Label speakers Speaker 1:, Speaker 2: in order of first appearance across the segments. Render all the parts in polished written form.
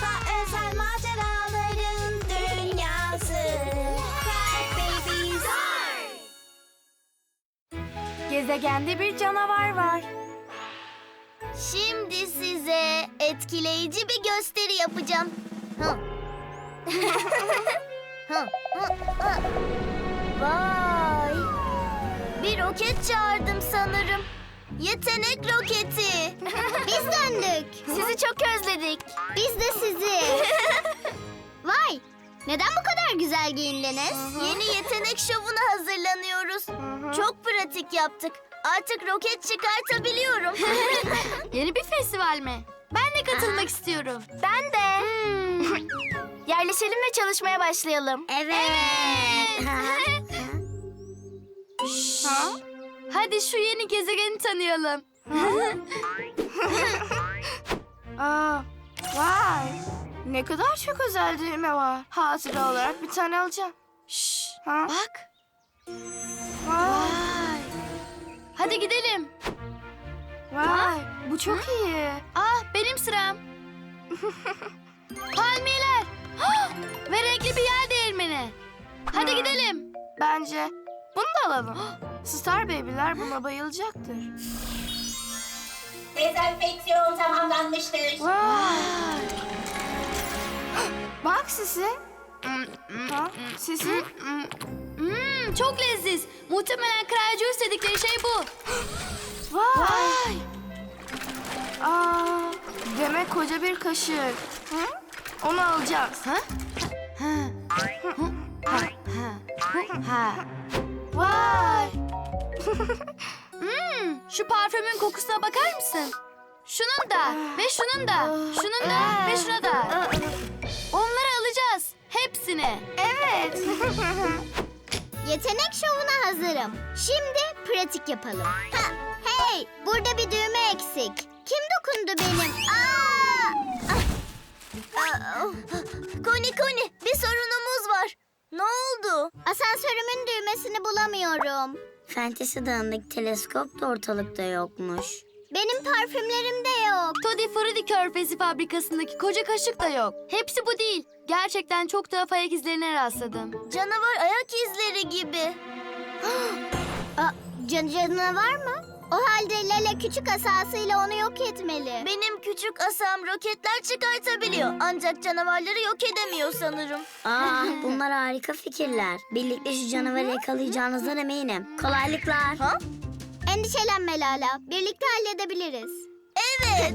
Speaker 1: Uzakta özel maceraların dünyası. Crack Babies.
Speaker 2: Gezegende bir canavar var.
Speaker 3: Şimdi size etkileyici bir gösteri yapacağım. Hı. Hı, hı, hı. Vay! Bir roket çağırdım sanırım. Yetenek roketi. Biz döndük.
Speaker 2: Sizi çok özledik.
Speaker 3: Biz de sizi. Vay! Neden bu kadar güzel giyindiniz? Yeni yetenek şovuna hazırlanıyoruz. Çok pratik yaptık. Artık roket çıkartabiliyorum.
Speaker 2: Yeni bir festival mi? Ben de katılmak istiyorum. Ben de. Yerleşelim ve çalışmaya başlayalım.
Speaker 3: Evet.
Speaker 2: Ha? Hadi şu yeni gezegeni tanıyalım. Aa, vay. Ne kadar çok özel düğme var. Hatıra olarak bir tane alacağım. Şşş. Ha? Bak. Vay. Hadi gidelim. Vay. Bu çok iyi. Ah, benim sıram. Palmiyeler. Ve renkli bir yer değirmeni. Hadi gidelim. Bence bunu da alalım. Star Baby'ler buna bayılacaktır.
Speaker 1: Dezenfeksiyon tamamlanmıştır.
Speaker 2: Vay. Bak Sisi. Ha? Sisi. Çok leziz. Muhtemelen kraliçe istedikleri şey bu. Vay. Aa, demek koca bir kaşık. Hı? Onu alacağız. Ha? Vay. Şu parfümün kokusuna bakar mısın? Şunun da ve şunun da, şunun da ve şuna da. Onları alacağız. Hepsini. Evet.
Speaker 3: Yetenek şovuna hazırım. Şimdi pratik yapalım. Ha, hey, burada bir düğme eksik. Kim dokundu benim? Koni, bir sorunumuz var. Ne oldu? Asansörümün düğmesini bulamıyorum.
Speaker 4: Fantasy Dağı'ndaki teleskop da ortalıkta yokmuş.
Speaker 3: Benim parfümlerim de yok.
Speaker 2: Toddy Fruity Körfezi fabrikasındaki koca kaşık da yok. Hepsi bu değil. Gerçekten çok tuhaf ayak izlerine rastladım.
Speaker 3: Canavar ayak izleri gibi. Canavar mı? O halde Lale küçük asasıyla onu yok etmeli. Benim küçük asam roketler çıkartabiliyor. Ancak canavarları yok edemiyor sanırım.
Speaker 4: Bunlar harika fikirler. Birlikte şu canavarı yakalayacağınızdan eminim. Kolaylıklar.
Speaker 3: Ha? Endişelenme Lala. Birlikte halledebiliriz. Evet.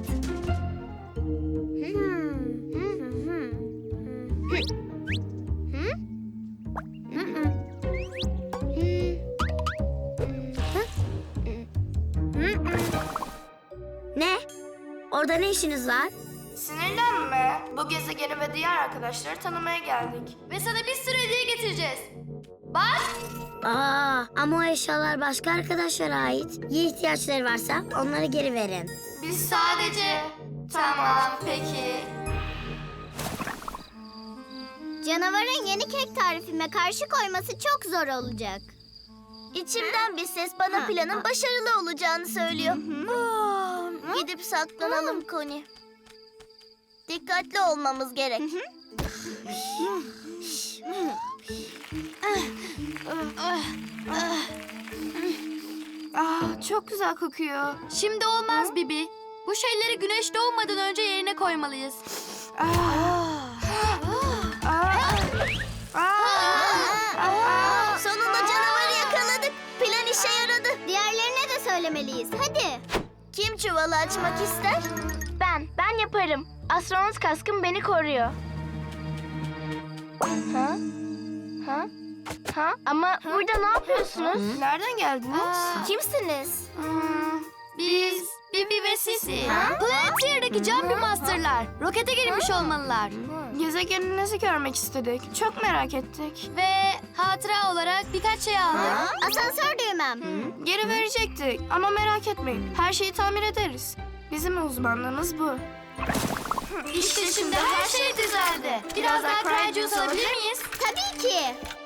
Speaker 4: Ne? Orada ne işiniz var?
Speaker 2: Sinirlenme. Bu gezegeni ve diğer arkadaşları tanımaya geldik. Ve sana bir sürü hediye getireceğiz. Bak.
Speaker 4: Ama o eşyalar başka arkadaşlara ait. Ya ihtiyaçları varsa onları geri verin.
Speaker 2: Biz sadece... Tamam, peki.
Speaker 3: Canavarın yeni kek tarifime karşı koyması çok zor olacak. İçimden bir ses bana planın başarılı olacağını söylüyor. Gidip saklanalım Koni. Dikkatli olmamız gerek.
Speaker 2: Çok güzel kokuyor. Şimdi olmaz Bibi. Bu şeyleri güneş doğmadan önce yerine koymalıyız.
Speaker 3: Sonunda canavarı yakaladık. Plan işe yaradı. Diğerlerine de söylemeliyiz. Hadi. Kim çuvalı açmak ister?
Speaker 2: Ben yaparım. Astronot kaskım beni koruyor. Ama burada ne yapıyorsunuz? Nereden geldiniz?
Speaker 3: Kimsiniz?
Speaker 2: Biz Bibi ve Sisi. Planetier'daki Jumpy Master'lar. Rokete girmiş olmalılar. Gezegeninizi görmek istedik. Çok merak ettik. Ve hatıra olarak birkaç şey aldık.
Speaker 3: Asansör düğmem.
Speaker 2: Geri verecektik ama merak etmeyin. Her şeyi tamir ederiz. Bizim uzmanlığımız bu. İşte şimdi her şey düzeldi. Biraz daha Cry Juice alabilir miyiz?
Speaker 3: Tabii ki.